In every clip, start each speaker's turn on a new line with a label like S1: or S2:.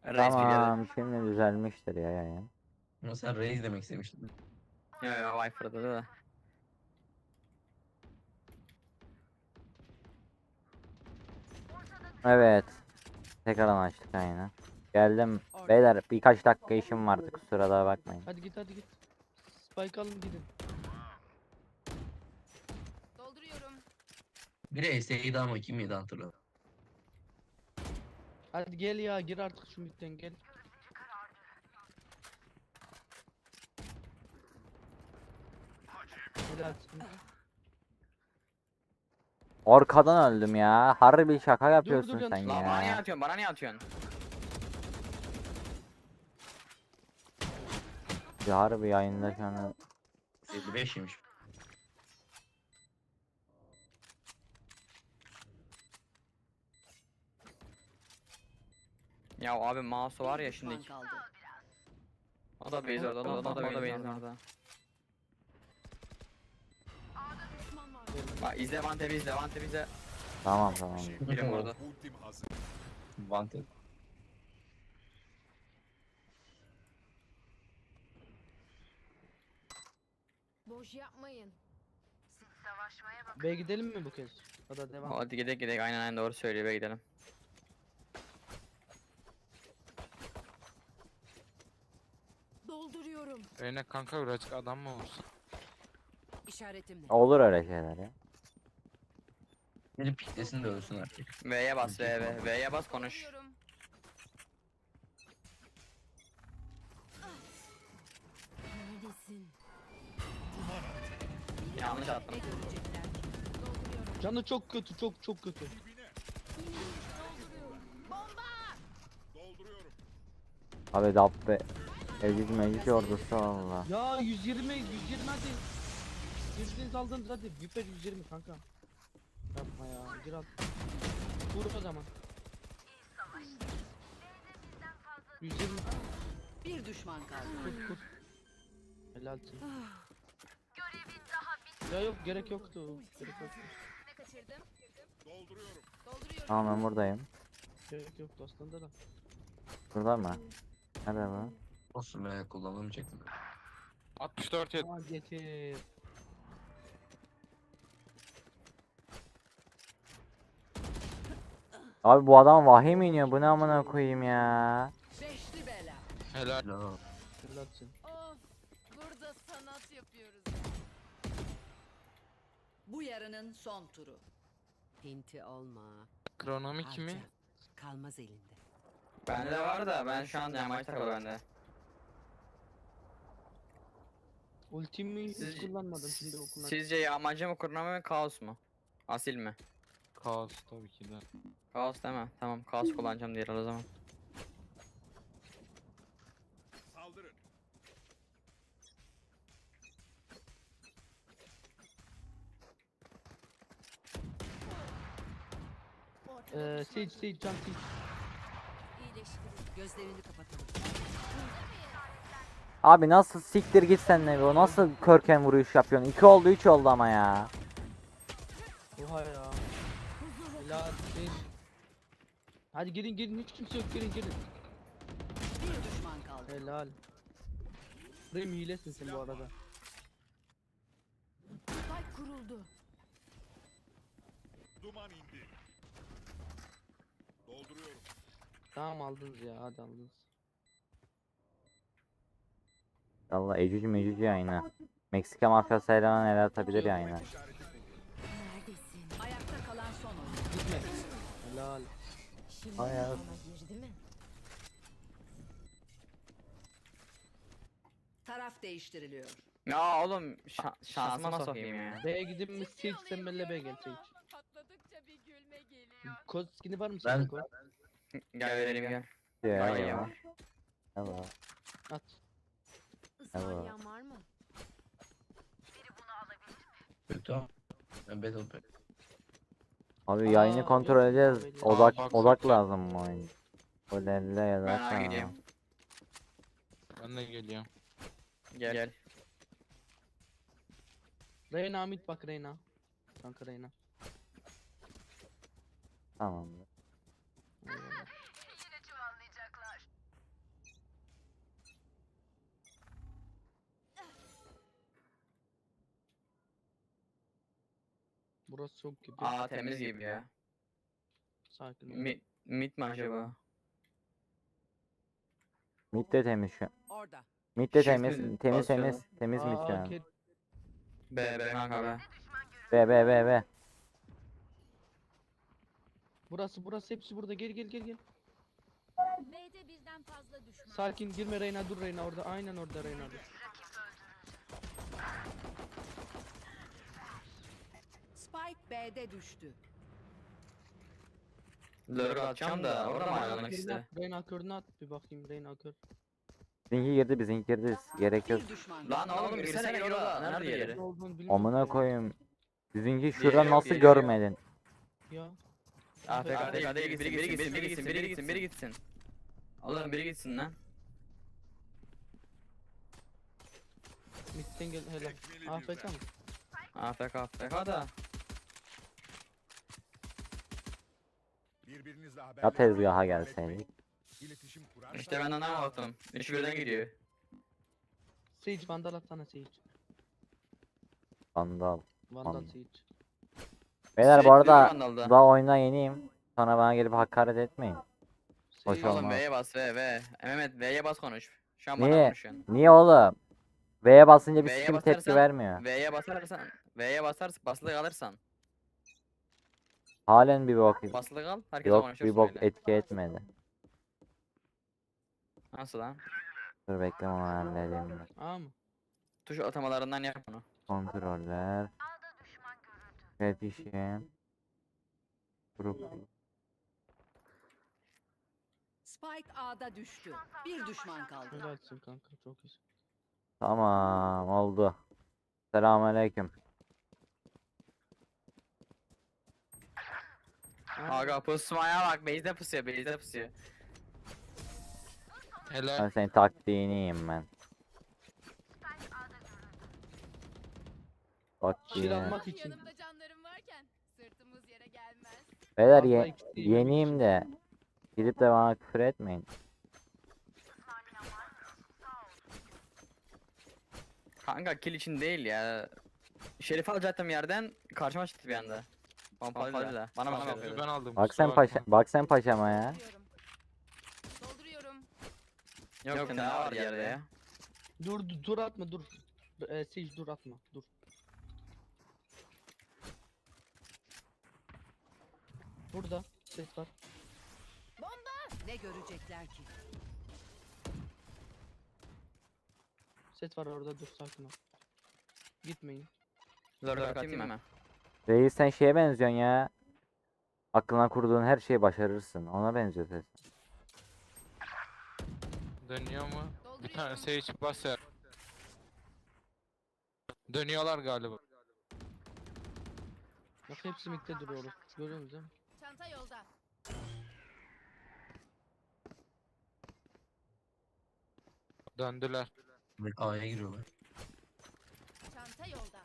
S1: Reis bir geldi.
S2: Tamam şimdi düzelmiştir ya yayın.
S3: Ama sen Reis demek istemiştin.
S1: Yo yo Viper'da da.
S2: Evet. Tekrardan açtık yayını. Geldim. Beyler birkaç dakika işim vardı kusura da bakmayın.
S4: Hadi git hadi git. Spike alın gidin.
S5: Dolduruyorum.
S3: Biri SE'ydi ama kim miydi hatırlıyorum.
S4: Hadi gel ya gir artık şu midden gel. Helalsin.
S2: Arkadan öldüm ya. Harbi şaka
S4: dur,
S2: yapıyorsun
S4: dur,
S2: sen
S4: yanlış-
S1: Lan bana niye
S2: ya.
S1: atıyorsun? Bana niye atıyorsun?
S2: Ya harbi yayında şu an.
S3: 55 yemiş.
S1: Ya abi mouse var ya şimdi.
S5: Düşman kaldı.
S1: O da base orada, o da base orada. Bak izle Vantep'i izle, Vantep'i izle.
S2: Tamam tamam.
S1: Birim orada.
S3: Wanted.
S5: Boş yapmayın.
S4: B'ye gidelim mi bu kez? Ya da devam.
S1: Hadi gidelim gidelim, aynen doğru söylüyor, be gidelim.
S5: Dolduruyorum.
S6: Reyna kanka birazcık adam mı olsun?
S5: İşaretimle.
S2: Olur öyle şeyler ya.
S3: Biri piklesin de ölsün artık.
S1: V'ye bas, V'ye bas konuş.
S5: Dolduruyorum. Neredesin?
S1: Yanlış attım.
S5: Ne görecekler? Dolduruyorum.
S4: Canı çok kötü çok kötü.
S2: Abi dabbe. Ezik meclis ordusu valla.
S4: Ya 120 hadi. Girdiniz aldınız hadi. Viper 120 kanka. Yapma ya gir al. Vur o zaman. 120
S5: Bir düşman kaldı.
S4: kur. Helalsin. Ya yok gerek yoktu. Gerek yoktu.
S5: Ne kaçırdım? Dolduruyorum.
S2: Tamam ben buradayım.
S4: Gerek yoktu aslında da.
S2: Burada mı? Nerede bu?
S3: Olsun be kullanımı çektim.
S6: 64 yet.
S4: Aa getir.
S2: Abi bu adam vahiy mi iniyor? Bu ne amına koyayım ya?
S5: Beşli bela.
S6: Helal.
S3: No.
S4: Helalsin.
S5: Of. Burada sanat yapıyoruz. Bu yarının son turu. Pinti olma.
S6: Kronomi kimi?
S5: Harca. Kalmaz elinde.
S1: Bende de var da ben şu an yamaç takılı bende.
S4: Ultimi hiç
S1: Siz-
S4: kullanmadım şimdi okuldan.
S1: Sizce yağmacı mı, kurnağı mı, kaos mu? Asil mi?
S6: Kaos tabii ki de.
S1: Kaos değil mi? Tamam, kaos kullanacağım diğer o zaman.
S4: Sage can Sage.
S5: İyileştirin. Gözlerini kapatalım.
S2: Abi nasıl siktir git sen ne o nasıl körken vuruş yapıyorsun? 2 oldu 3 oldu ama ya.
S4: Oha ya. Helal Sage. Hadi girin hiç kimse yok girin.
S5: Bir düşman kaldı.
S4: Helal. Rem hilesin sen bu arada.
S5: Spike kuruldu.
S7: Duman indi. Dolduruyorum.
S4: Tamam aldınız ya hadi aldınız.
S2: Allah ecüc mecüc yayını. Meksika mafyası eleman el atabilir yayını.
S5: Neredesin? Ayakta kalan son oyun.
S4: Gitme. Helal.
S5: Şimdi
S2: Hayat.
S5: bana girdi mi? Taraf değiştiriliyor.
S1: Ya oğlum şansıma sokayım ya.
S4: B'ye gidin mi Sage sen benimle B'ye gel Sage.
S5: Patladıkça bir gülme geliyor.
S4: Kod skin'i var mı
S3: Ben-
S4: sende kod?
S1: Gel vereyim gel.
S2: Ya,
S1: Ay
S2: ya.
S1: ya.
S2: Allah.
S4: At.
S5: Ismarlayan var mı?
S3: Kötü ama. Ben Battle Pack.
S2: Abi yayını
S4: Aa,
S2: kontrol
S4: yok,
S2: edeceğiz.
S4: yok,
S2: Odak
S6: bak,
S2: odak
S6: bak.
S2: lazım bu oyun. O lelle ya da
S1: Ben
S2: tamam.
S1: gideyim.
S6: Ben de geliyorum.
S1: Gel.
S4: Reyna mid bak Reyna. Kanka Reyna.
S2: Tamam.
S4: Eyvallah. Burası çok gibi.
S1: Aa temiz gibi ya.
S4: Sakin ol.
S1: Mid mi acaba?
S2: Mid de temiz şu an.
S5: Orada.
S2: Mid de
S1: Shift
S2: temiz.
S1: mi
S2: Temiz
S1: basıyorlar?
S2: temiz. Temiz mid şu an.
S1: B kanka B.
S2: B.
S4: Burası hepsi burada. Gel.
S7: B'de birden fazla düşman.
S4: Sakin girme Reyna, dur Reyna orada. Aynen orada Reyna dur.
S5: Spike B'de düştü.
S1: Lurk atacağım da orada mı ayrılmak işte?
S4: Reyna körünü at bir bakayım Reyna kör.
S2: Bizimki girdi. Gerek yok.
S5: Bir düşman
S1: Lan
S5: kaldı.
S1: oğlum girsene gir orada. Nerede
S4: Ne
S1: yeri?
S4: olduğunu bilmiyorum
S2: Amına
S4: ya.
S2: koyayım. Bizimki
S1: Yeri
S2: şurada
S1: yok,
S2: nasıl
S1: yeri yok.
S2: görmedin?
S4: Ya.
S1: AFK değil, biri gitsin. Oğlum biri gitsin lan.
S4: Mid'den gel helal. AFK mı?
S1: AFK da.
S8: Birbirinizle
S2: Ya
S8: haberleşmeyi
S2: tezgaha
S8: ihmal
S2: gelseydik.
S8: etmeyin. İletişim kurar.
S1: İşte ben anlamadım. Üçü birden gidiyor.
S4: Sage Vandal atsana Sage.
S2: Vandal.
S4: Vandal
S2: Vandal.
S4: Sage.
S2: Beyler bu
S1: Sürekli
S2: arada
S1: Vandal'da.
S2: daha oyuna yeniyim. Sonra bana gelip hakaret etmeyin. Hoş
S4: Sage-
S2: olmaz.
S1: Oğlum V'ye bas V. Mehmet V'ye bas konuş. Şu an bana
S2: Niye?
S1: konuşuyorsun.
S2: Niye oğlum? V'ye basınca bir
S1: V'ye
S2: sikim tepki
S1: basarsan-
S2: vermiyor.
S1: V'ye basarsan basılı kalırsan.
S2: Halen bir bok.
S1: Basılı kal. Herkese
S2: Yok
S1: konuşuyorsun
S2: bir bok
S1: öyle.
S2: etki etmedi.
S1: Nasıl lan?
S2: Dur bekle onu halledeyim. ben.
S4: Aa mı?
S1: Tuş atamalarından yap bunu.
S2: Kontroller. İletişim. Grup.
S5: Spike A'da düştü. Bir düşman kaldı.
S4: Helalsin kanka çok iyi.
S2: Tamam oldu. Selamünaleyküm.
S1: Aga pusmaya bak. Base'de pusuyor.
S6: Helal.
S2: Ben senin taktiğini yiyeyim ben. Bak
S4: Şil
S2: yine.
S4: almak için.
S7: Yanımda canlarım varken sırtımız yere gelmez.
S2: Beyler
S4: Vallahi ikisi de yemek
S2: yeniyim
S4: için.
S2: de. Gidip de bana küfür etmeyin.
S1: Kanka kill için değil ya. Şerif alacaktım yerden. Karşıma çıktı bir anda. Pompalıyla. Bana
S6: Sözü
S1: bakıyordu.
S6: ben aldım.
S2: Bak
S6: kusura
S2: sen paşa,
S6: bakma.
S2: bak sen paşama ya.
S7: Dolduruyorum.
S1: Yok ne var yerde ya.
S4: Dur atma dur. Sage dur atma dur. Burada ses var.
S5: Ne görecekler ki?
S4: Ses var orada dur sakin ol. Gitmeyin.
S1: Lurk atayım mı?
S2: Reis sen şeye benziyorsun ya. Aklına kurduğun her şeyi başarırsın. Ona benziyor ses.
S6: Dönüyor mu? Bir tane
S7: Dolduruyorum.
S6: Sage basar. Dönüyorlar galiba.
S4: Bak hepsi midde duruyor. Görüyor musun değil mi?
S7: Çanta yolda.
S6: Döndüler.
S3: A'ya giriyorlar.
S7: Çanta yolda.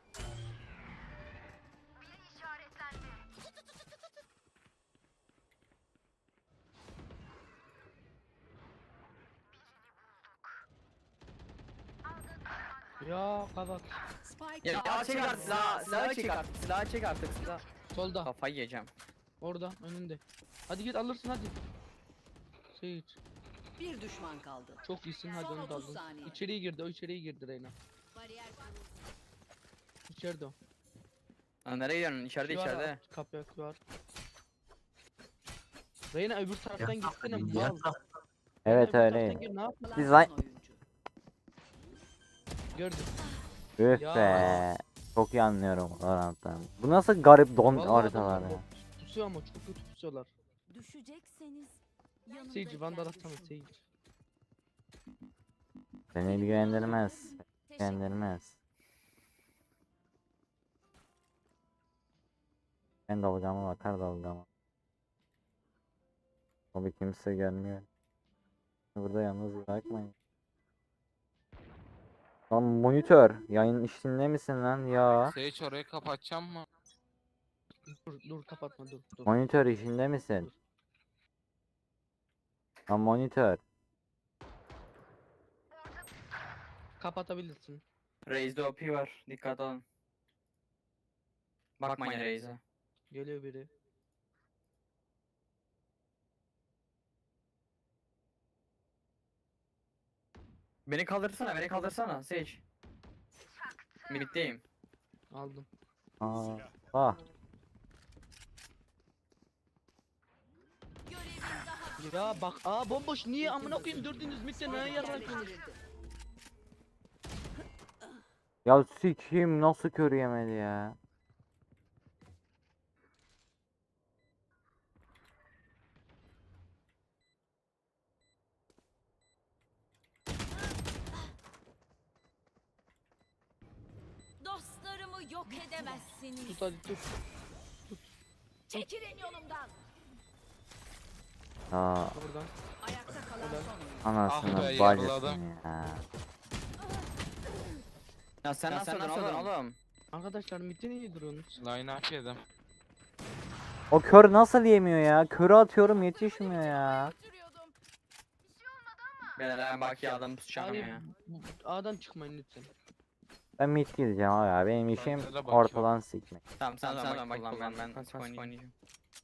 S4: Ya kapat.
S5: Spike
S1: Ya
S5: A'da
S1: çek artık silahı çek artık.
S4: Solda.
S1: Kafayı yiyeceğim.
S4: Orada önünde. Hadi git alırsın hadi. Sage.
S5: bir düşman kaldı.
S4: Çok iyisin hadi
S5: Son
S4: onu da
S5: 30
S4: aldın.
S5: saniye.
S4: İçeriye girdi o içeriye girdi Reyna.
S7: Bariyer kuruldu.
S4: İçeride o.
S1: Lan nereye gidiyorsun? İçeride
S4: Şu var,
S1: içeride.
S4: Kapıya var. Reyna öbür taraftan gitsene
S3: Ya,
S4: mal.
S2: Evet
S4: Öbür taraftan
S2: öyleyim.
S4: gel, ne yapma?
S2: Biz
S5: Son
S2: lan-
S5: oyuncu.
S4: Gördüm.
S2: Üf
S4: Ya.
S2: be. Çok iyi anlıyorum Valorant'tan. Bu nasıl garip don
S4: Vallahi
S2: haritalar
S4: adamlar
S2: ya.
S4: Pusuyor ama çok kötü pusuyorlar.
S7: Düşecekseniz yanımda
S4: Sage vandal atsana
S7: gelmesin.
S4: Sage.
S2: Beni ilgilendirmez.
S7: Teşekkür.
S2: İlgilendirmez. Ben dalgama bakar dalgama. Tabii kimse gelmiyor. Burada yalnız bırakmayın. Lan monitör. Yayın işinde misin lan ya?
S6: Sage orayı kapatacağım mı?
S4: Dur kapatma dur.
S2: Monitör işinde misin? Lan monitör.
S4: Kapatabilirsin.
S1: Raze'de OP var. Dikkat olun. Bakmayın Reis'e.
S4: Geliyor biri.
S1: Beni kaldırsana, beni kaldırsana Sage. Mid'deyim.
S4: Aldım.
S2: Aa. Ah.
S7: Görevin daha
S4: Ya bak bomboş niye amına koyayım dördünüz mitte ne yaratıyorsunuz?
S5: Yerleştirildi.
S2: Ya sikeyim nasıl kör yemedi ya.
S7: dostlarımı yok edemezsiniz.
S4: Tut hadi tut.
S7: Çekilin yolumdan.
S2: Aa,
S4: Buradan.
S5: Ayakta kalan
S4: Helal.
S5: son oyuncu.
S2: anasını
S6: Ah be,
S2: bacısını
S6: yaraladım.
S2: ya.
S1: Ya sen nasıl oğlum?
S4: Arkadaşlar mitte niye duruyorsunuz?
S6: Line up yedim.
S2: O kör nasıl yemiyor ya? Körü atıyorum yetişmiyor ya.
S7: Götürüyordum.
S1: Ben bak ya adam tutacağım
S4: Hayır,
S1: ya.
S4: A'dan çıkmayın lütfen.
S2: Ben mid gideceğim abi ya. Benim işim
S6: Ben de bakıyorum.
S2: ortadan sikmek.
S1: Tamam sen bak kullan ben pasif oynayacağım.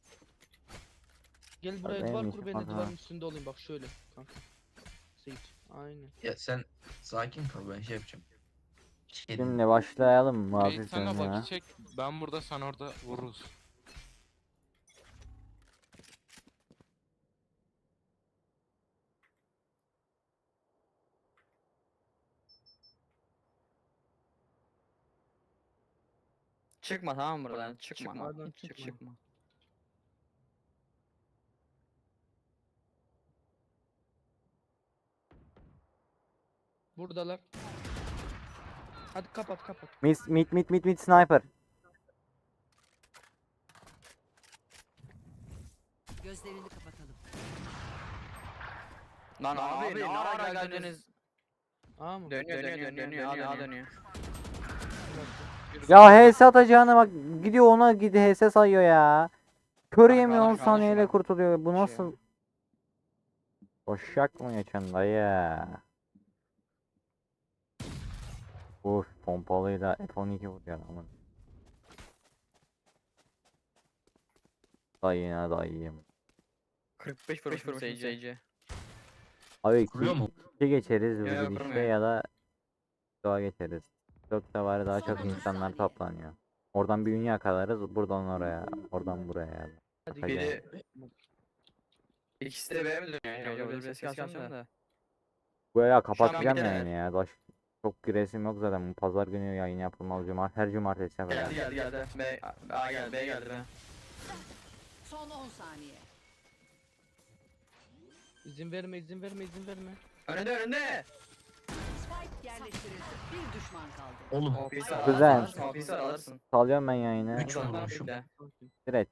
S4: Gel buraya
S2: benim
S4: duvar
S2: işim
S4: kur ben de
S2: o
S4: duvarın
S2: zaman.
S4: üstünde olayım bak şöyle kanka. Sage. Aynen.
S3: Ya sen sakin kal, ben şey yapacağım. Şey diyeyim.
S2: Şimdi başlayalım mı
S6: Reis
S2: hafif
S6: sana
S2: ya?
S6: bak çek. Ben burada sen orada vururuz.
S1: Çıkma tamam mı buradan? Çıkma.
S4: Oradan
S1: Çık
S4: çıkma.
S1: çıkma.
S4: Buradalar. Hadi kapat.
S2: Mid sniper.
S5: Gözlerini kapatalım.
S1: Lan abi ne ara geldiniz?
S4: A mı?
S1: Dönüyor dönüyor.
S2: Ya HS atacağına bak gidiyor ona HS sayıyor ya. Kör
S1: Bak,
S2: yemiyor 10
S1: alış,
S2: saniyeyle
S1: alış.
S2: kurtuluyor. Bu
S1: Şey
S2: nasıl? Boşak mı geçen dayı? Uf pompalıyla F12 vuruyor ama. Dayına dayıyım.
S1: 45 vuruş Sage'e.
S2: Abi
S3: Kuruyor mu?
S2: 2 geçeriz
S1: Yok,
S2: bu
S1: yok,
S2: gidişle
S1: kurmuyor.
S2: ya da doğa geçeriz. Çok da var daha çok
S7: Son 30
S2: insanlar
S7: saniye.
S2: toplanıyor. Oradan bir ünye yakalarız buradan oraya oradan buraya.
S4: Hadi
S2: Bakacağım.
S1: Biri İkisi de B'ye mi dönüyor? Yok bir ses alacağım da.
S2: Bu ya
S1: an
S2: kapatacağım
S1: bir de-
S2: yani ya. Çok giresim yok zaten. Bu pazar günü yayın yapılmalı. Her cumartesi yapacağım.
S1: Geldi. B geldi be.
S5: Son 10 saniye.
S4: İzin verme.
S1: Önünde.
S5: Spike yerleştirildi. Bir düşman kaldı.
S3: Oğlum
S2: Güzel.
S1: Ofisar alırsın.
S2: Salıyorum ben yayını.
S3: Üç vurmuşum.
S2: Direkt.